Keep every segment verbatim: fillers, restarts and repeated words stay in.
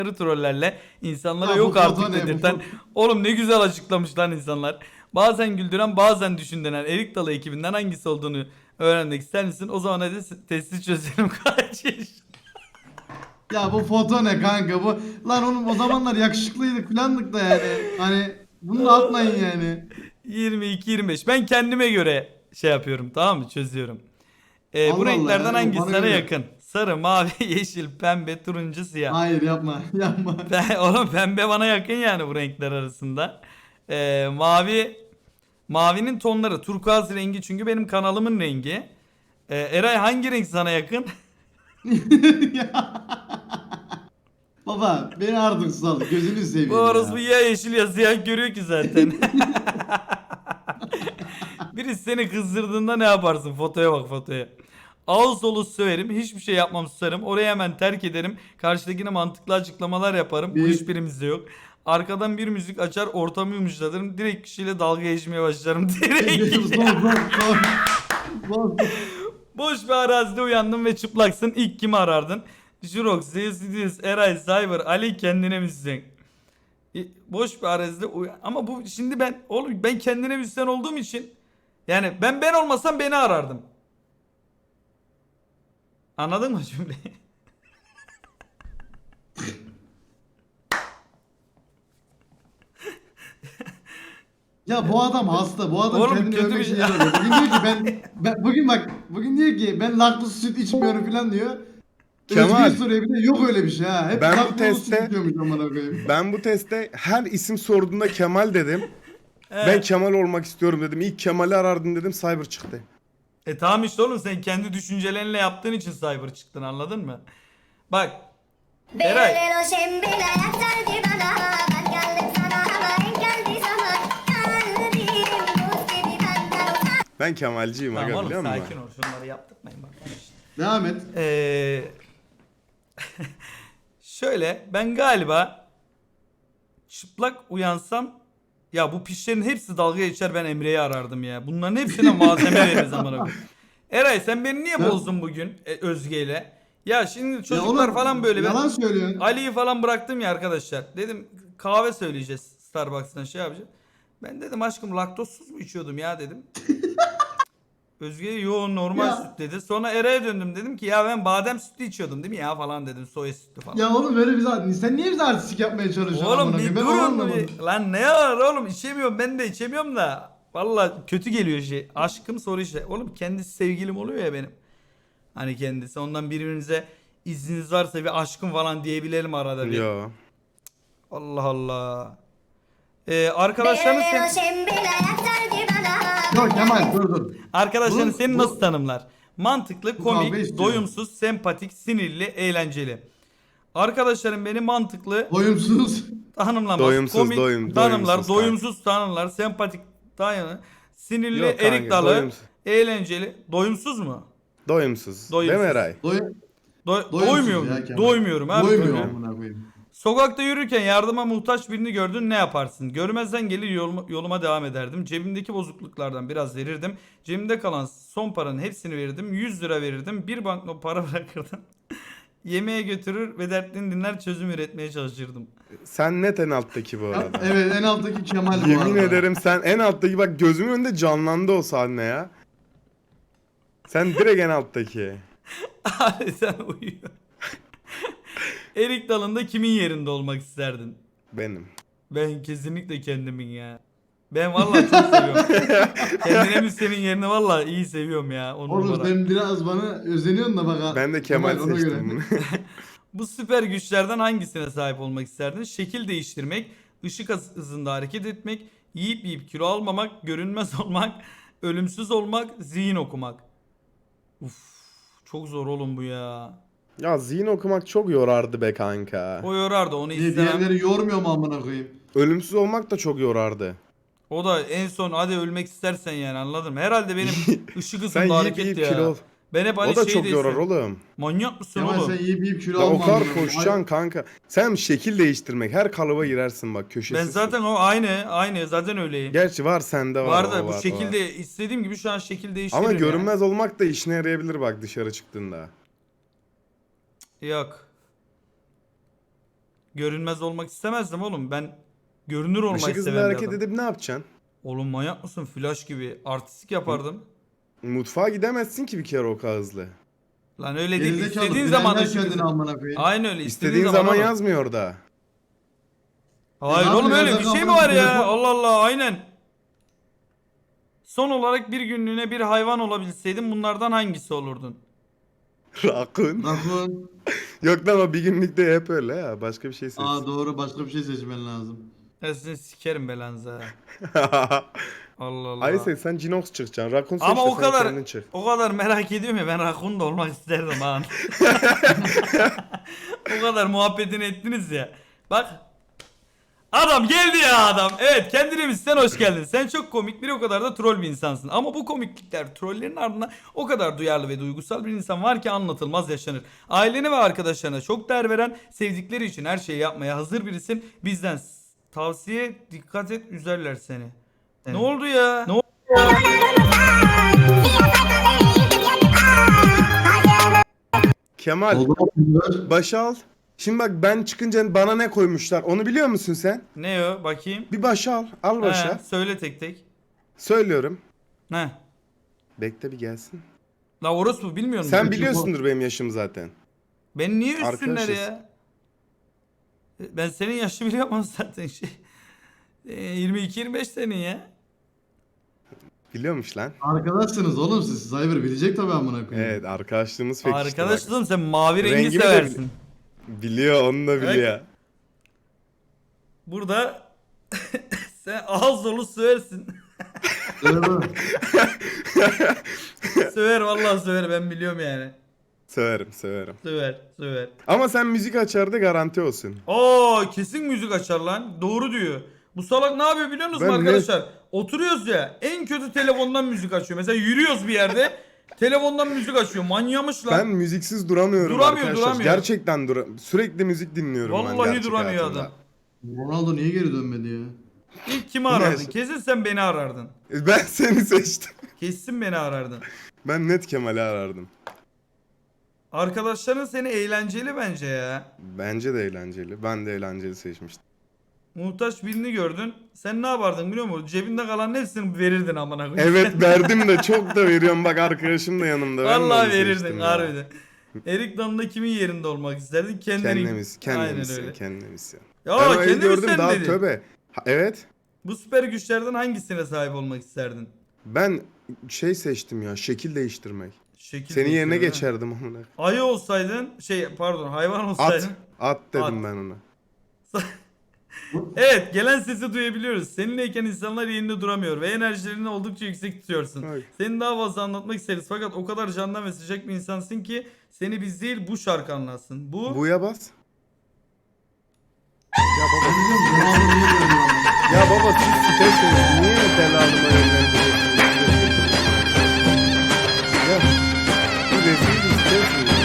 trollerle insanlara Ya yok bu artık foto ne, bu dedirten. foto- Oğlum ne güzel açıklamış lan insanlar. Bazen güldüren bazen düşündüren Erik Dalı ekibinden hangisi olduğunu öğrenmek ister misin? O zaman hadi s- testi çözelim kaç yaş. Ya bu foto ne kanka bu? Lan oğlum o zamanlar yakışıklıydık filandık da yani. Hani bunu da atmayın yani. yirmi iki yirmi beş. Ben kendime göre şey yapıyorum, tamam mı? Çözüyorum. Ee, bu Allah Allah renklerden ya. Yok, hangisi bana sana göre yap. yakın? Sarı, mavi, yeşil, pembe, turuncu, siyah. Hayır yapma. Yapma. Ben, oğlum pembe bana yakın yani bu renkler arasında. Ee, mavi mavinin tonları turkuaz rengi çünkü benim kanalımın rengi. Ee, Eray hangi renk sana yakın? Ya. Baba beni artık sal. Gözünü Bu seveyim orospu ya. ya yeşil ya siyah görüyor ki zaten. Birisi seni kızdırdığında ne yaparsın? Fotoya bak fotoya. Ağız solu söverim. Hiçbir şey yapmam susarım. Orayı hemen terk ederim. Karşıdakine mantıklı açıklamalar yaparım. Bu Bir. hiçbirimizde yok. Arkadan bir müzik açar ortamı yumuşatırım. Direkt kişiyle dalga geçmeye başlarım. Direkt. Son son son. Son. Boş bir arazide uyandın ve çıplaksın. İlk kimi arardın? Jurox, Zeus, Eray, Cyber, Ali kendine müzisyen. E, Boş bir arazide uyan... Ama bu şimdi ben oğlum ben kendine müzisyen olduğum için yani ben ben olmasam beni arardım. Anladın mı cümleyi? Ya bu adam hasta. Bu adam Oğlum kendini kötü övmek bir için şey. yer arıyor. Bugün diyor ki ben, ben bugün bak bugün diyor ki ben laktozsuz süt içmiyorum falan diyor. Kemal, Özgür soruyor bir de yok öyle bir şey ha. Hep ben bu laktozlu süt teste içiyormuş amına koyayım. ben bu teste her isim sorduğunda Kemal dedim. Ben Evet. Kemal olmak istiyorum dedim. İlk Kemal'i arardım dedim. Cyber çıktı. E tamam işte oğlum sen kendi düşüncelerinle yaptığın için cyber çıktın anladın mı? Bak Eray Belirli o şembile yaktardı bana. Ben geldim sana ama en geldi zaman. Kalbim buz gibi benden uzak. Ben Kemalciyim tamam aga oğlum biliyor musun? sakin ol şunları yaptırmayın bak. Devam et. Ee, şöyle ben galiba çıplak uyansam ya bu pişlerin hepsi dalga geçer ben Emre'yi arardım ya. Bunların hepsine malzeme veririz amına koyayım. Eray sen beni niye Sen- bozdun bugün e, Özge'yle? Ya şimdi Ya çocuklar oğlum, falan böyle ben yalan söylüyorsun. Ali'yi falan bıraktım ya arkadaşlar. Dedim kahve söyleyeceğiz Starbucks'tan şey yapacağız. Ben dedim aşkım laktozsuz mu içiyordum ya dedim. Özge yo normal Ya. süt dedi. Sonra Eray'a döndüm dedim ki ya ben badem sütü içiyordum değil mi ya falan dedim. Soya sütü falan. Ya oğlum böyle bize sen niye bize artistik yapmaya çalışıyorsun Oğlum amına bir koyayım? Ben onu durun anlamadım. bir. Lan ne var oğlum içemiyorum ben de içemiyorum da. Valla kötü geliyor şey. Aşkım soru işte. Oğlum kendisi sevgilim oluyor ya benim. Hani kendisi ondan birbirimize izniniz varsa bir aşkım falan diyebilelim arada bir. Yo. Allah Allah. Ee, arkadaşların Belirli o sen, şembile yaktardı bana. Yok Kemal dur dur. arkadaşların Bu- seni bu- nasıl tanımlar? Mantıklı, Bu kavga komik, istiyor. doyumsuz, sempatik, sinirli, eğlenceli. Arkadaşlarım beni mantıklı Doyumsuz. tanımlamaz. Doyumsuz, komik doyum- tanımlar, doyumsuz kanka. doyumsuz tanımlar, sempatik tanımlar, sinirli, Yok kanka, erik dalı, doyumsuz. eğlenceli, doyumsuz mu? Doyumsuz. Doyumsuz. Değil mi Eray? Doy Do- doyumsuz doymuyorum. ya Kemal. Doymuyorum abi. Doymuyor Doymuyorum. amına koyayım. Sokakta yürürken yardıma muhtaç birini gördün ne yaparsın? Görmezden gelir yoluma, yoluma devam ederdim. Cebimdeki bozukluklardan biraz verirdim. Cebimde kalan son paranın hepsini verirdim. yüz lira verirdim. Bir banknot para bırakırdım. Yemeğe götürür ve dertlerini dinler çözüm üretmeye çalışırdım. Sen net en alttaki bu arada. Evet en alttaki Kemal bu Yemin arada. ederim sen en alttaki, bak gözümün önünde canlandı o sahne ya. Sen direkt en alttaki. Abi sen uyuyor. Erik dalında kimin yerinde olmak isterdin? Benim. Ben kesinlikle kendimin ya. Ben vallahi çok seviyorum. Kendine mi senin yerini vallahi iyi seviyorum ya. On Oğlum numara. ben biraz bana özeniyorsun da bak ha. Ben de Kemal ona seçtim bunu. Bu süper güçlerden hangisine sahip olmak isterdin? Şekil değiştirmek, ışık hız- hızında hareket etmek, yiyip yiyip kilo almamak, görünmez olmak, ölümsüz olmak, zihin okumak. Uf, çok zor oğlum bu ya. Ya zihin okumak çok yorardı be kanka. O yorardı onu Niye istemem. diğerleri yormuyor mu amına koyayım? Ölümsüz olmak da çok yorardı. O da en son hadi ölmek istersen yani anladın mı? Herhalde benim ışık Sen hızında yiyip hareket yiyip ya. kilo ol. Ben hep hani O da şey çok de yorar isterim. oğlum. Manyak mısın Kemal oğlum? sen yiyip yiyip kilo Ya o alma kadar amına koyayım. koşacaksın kanka. Sen şekil değiştirmek, her kalıba girersin bak, köşesiz. Ben zaten o aynı aynı zaten öyleyim. Gerçi var, sende var. Var o da bu var, o şekilde var. istediğim gibi şu an şekil değiştiririm Ama ya. görünmez olmak da işine yarayabilir bak dışarı çıktığında. Yok. Görünmez olmak istemezdim oğlum. Ben görünür olmak Işık hızlı istemem bir hareket adam. edip ne yapacaksın? Oğlum manyak mısın? Flash gibi artistik yapardım. Mutfağa gidemezsin ki bir kere o kadar hızlı. Lan öyle değil. Gerizekalı. İstediğin Bilen zaman ver ışık kendini hızı. amına koyayım. Aynen öyle. İstediğin zaman oğlum. yazmıyor orada. Hayır Ne oğlum yapıyor? öyle bir Nereden şey mi amına var ya? telefon- Allah Allah aynen. Son olarak bir günlüğüne bir hayvan olabilseydin bunlardan hangisi olurdun? Rakun. Rakun. Yok lan o bir günlükte hep öyle ya. Başka bir şey seç. Aa doğru, başka bir şey seçmen lazım. Ya sizin sikerim belanızı ha. Allah Allah. Ay sen, sen Cinox çıkacaksın. Rakun seç Ama de o sen kadar kendin çık. o kadar merak ediyorum ya ben rakun da olmak isterdim ha. O kadar muhabbetini ettiniz ya. Bak. Adam geldi ya adam. Evet kendine sen hoş geldin. Sen çok komik bir o kadar da troll bir insansın. Ama bu komiklikler trollerin ardından o kadar duyarlı ve duygusal bir insan var ki anlatılmaz yaşanır. Ailene ve arkadaşlarına çok değer veren, sevdikleri için her şeyi yapmaya hazır birisin. Bizden s- tavsiye dikkat et üzerler seni. Ne oldu ya? Ne oldu? Kemal Oldu mu? başa al. Şimdi bak ben çıkınca bana ne koymuşlar onu biliyor musun sen? Ne o? Bakayım. Bir başa al. Al başa. He, söyle tek tek. Söylüyorum. Ne? Bekle bir gelsin. La orospu bilmiyor musun? Sen biliyorsundur benim yaşım zaten. Ben niye üstünler Arkadaşız. ya? Ben senin yaşı biliyorum zaten şey. E, yirmi iki yirmi beş senin ya. Biliyormuş lan. Arkadaşsınız oğlum siz. Cyber bilecek tabii amına koyayım. Evet arkadaşlığımız pek işte Arkadaş bak. oğlum sen mavi rengi Rengimi de seversin. Biliyor onu da biliyor. Burada sen ağız dolu söversin. Öyle mi? Söver vallahi söver ben biliyorum yani. Severim severim. Söver söver. Ama sen müzik açar da garanti olsun. Aa kesin müzik açar lan. Doğru diyor. Bu salak ne yapıyor biliyor musunuz Ben ne- arkadaşlar? Oturuyoruz ya en kötü telefondan müzik açıyor. Mesela yürüyoruz bir yerde telefondan müzik açıyor. Manyamış lan. Ben müziksiz duramıyorum Duramıyor, arkadaşlar. duramıyor. Gerçekten dura sürekli müzik dinliyorum ben Vallahi gerçek duramıyor hayatımda. adam. Ronaldo niye geri dönmedi ya? İlk kimi arardın? Neyse. Kesin sen beni arardın. E, Ben seni seçtim. Kesin beni arardın. Ben net Kemal'i arardım. Arkadaşların seni eğlenceli bence ya. Bence de eğlenceli. Ben de eğlenceli seçmiştim. Muhtaç birini gördün. Sen ne yapardın biliyor musun? Cebinde kalan hepsini verirdin amına koyayım. Evet verdim de çok da veriyorum. Bak arkadaşım da yanımda. Ben de Vallahi onu verirdin seçtim ya. harbiden. Erik Dalı'nda kimin yerinde olmak isterdin? Kendini. Kendimiz, kendimiz, Aynen öyle. kendimiz. Ya. Ya Ben o evi kendimiz gördüm sen daha dedin. tövbe. Ha, evet. Bu süper güçlerden hangisine sahip olmak isterdin? Ben şey seçtim ya. Şekil değiştirmek. Şekil Senin yerine değiştirme. geçerdim amına. Ayı olsaydın, şey pardon hayvan At. olsaydın. At dedim At. ben ona. Evet gelen sesi duyabiliyoruz. Seninleyken insanlar yerinde duramıyor ve enerjilerini oldukça yüksek tutuyorsun. Ay. Seni daha fazla anlatmak isteriz fakat o kadar candan ve sıcak bir insansın ki seni biz değil bu şarkı anlatsın. Bu Bu'ya bas. Ya Ben baba. diyeceğim Ronaldo niye dönmedi ama? Ya baba siz siteyseniz niye delalıma yönlendiriyorsunuz? Ya bu rezil bir sitesiniz.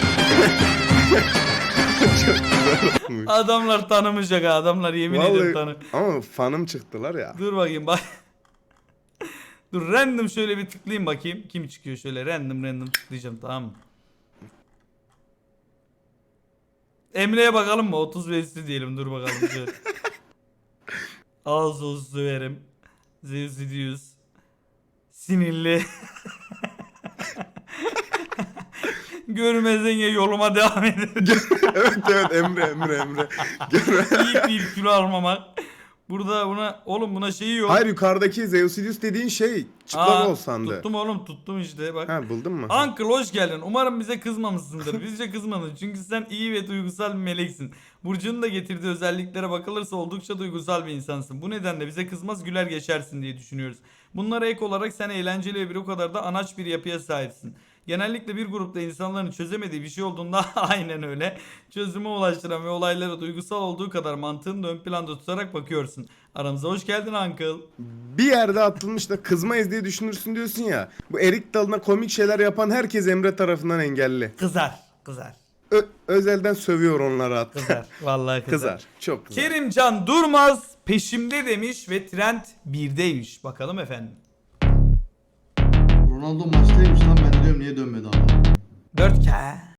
Çok güzel olmuş. adamlar tanımayacak ha adamlar yemin ederim tanı. Vallahi ama fanım çıktılar ya. Dur bakayım bak. Dur random şöyle bir tıklayayım bakayım. Kim çıkıyor şöyle random random tıklayacağım tamam mı? Emre'ye bakalım mı? otuz beşli diyelim dur bakalım şöyle. Ağız olsun söverim. Zevzidius. Sinirli. Görmezden ya yoluma devam ederim. Evet evet Emre Emre Emre. İyi bir kilo almamak. Burada buna oğlum buna şeyi yok. Hayır yukarıdaki Zeusidius dediğin şey çıplak Aa, ol sandı. Tuttum oğlum tuttum işte bak. Ha buldun mu? Uncle hoş geldin. Umarım bize kızmamışsındır. Bizce kızmadın. Çünkü sen iyi ve duygusal bir meleksin. Burcu'nun da getirdiği özelliklere bakılırsa oldukça duygusal bir insansın. Bu nedenle bize kızmaz güler geçersin diye düşünüyoruz. Bunlara ek olarak sen eğlenceli ve bir o kadar da anaç bir yapıya sahipsin. Genellikle bir grupta insanların çözemediği bir şey olduğunda aynen öyle. Çözüme ulaştıran ve olaylara duygusal olduğu kadar mantığını da ön planda tutarak bakıyorsun. Aramıza hoş geldin Uncle. Bir yerde atılmış da kızmayız diye düşünürsün diyorsun ya. Bu erik dalına komik şeyler yapan herkes Emre tarafından engelli. Kızar. Kızar. Ö- özelden sövüyor onları hatta. Kızar. Vallahi kızar. Kızar. Çok kızar. Kerimcan Durmaz peşimde demiş ve trend birdeymiş. Bakalım efendim. Ronaldo maçtaymış lan, ben de diyorum niye dönmedi ama. dört K.